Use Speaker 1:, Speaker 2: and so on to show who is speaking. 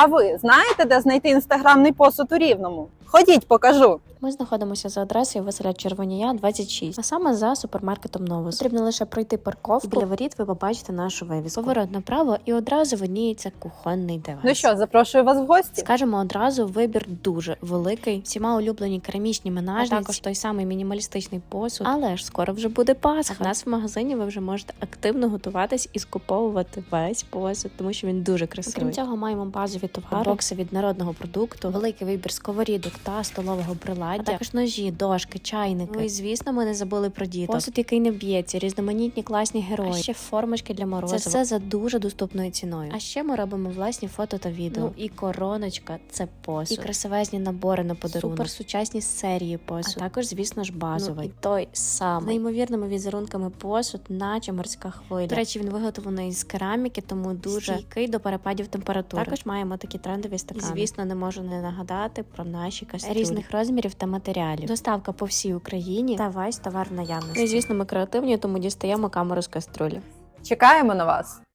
Speaker 1: А ви знаєте, де знайти інстаграмний посуд у Рівному? Ходіть, покажу.
Speaker 2: Ми знаходимося за адресою Василя Червонія, 26, а саме за супермаркетом Новус. Потрібно лише пройти парковку, і біля воріт ви побачите нашу вивіску. Поворот направо і одразу видніється кухонний девайс.
Speaker 1: Ну що, запрошую вас в гості?
Speaker 2: Скажемо одразу, вибір дуже великий. Всіма улюблені керамічні менажниці, а також той самий мінімалістичний посуд. Але ж скоро вже буде Пасха. А в нас в магазині ви вже можете активно готуватись і скуповувати весь посуд, тому що він дуже красивий. Крім цього, маємо базові товари, бокси від народного продукту, великий вибір сковорідок та столового приладдя, а також ножі, дошки, чайники. Ну і звісно, ми не забули про діток. Посуд, який не б'ється, різноманітні класні герої, а ще формочки для морозива. Це все за дуже доступною ціною. А ще ми робимо власні фото та відео. Ну і короночка – це посуд. І красивезні набори на подарунок. Суперсучасні серії посуд. А також, звісно ж, базовий. Ну, і той самий. З неймовірними візерунками посуд, наче морська хвиля. До речі, він виготовлений з кераміки, тому дуже стійкий до перепадів температури. Також маємо такі трендові стакани. І, звісно, не можу не нагадати про наші кастрюлі різних розмірів та матеріалів. Доставка по всій Україні та весь товар в наявності. Ну і, звісно, ми креативні, тому дістаємо камеру з каструлі.
Speaker 1: Чекаємо на вас.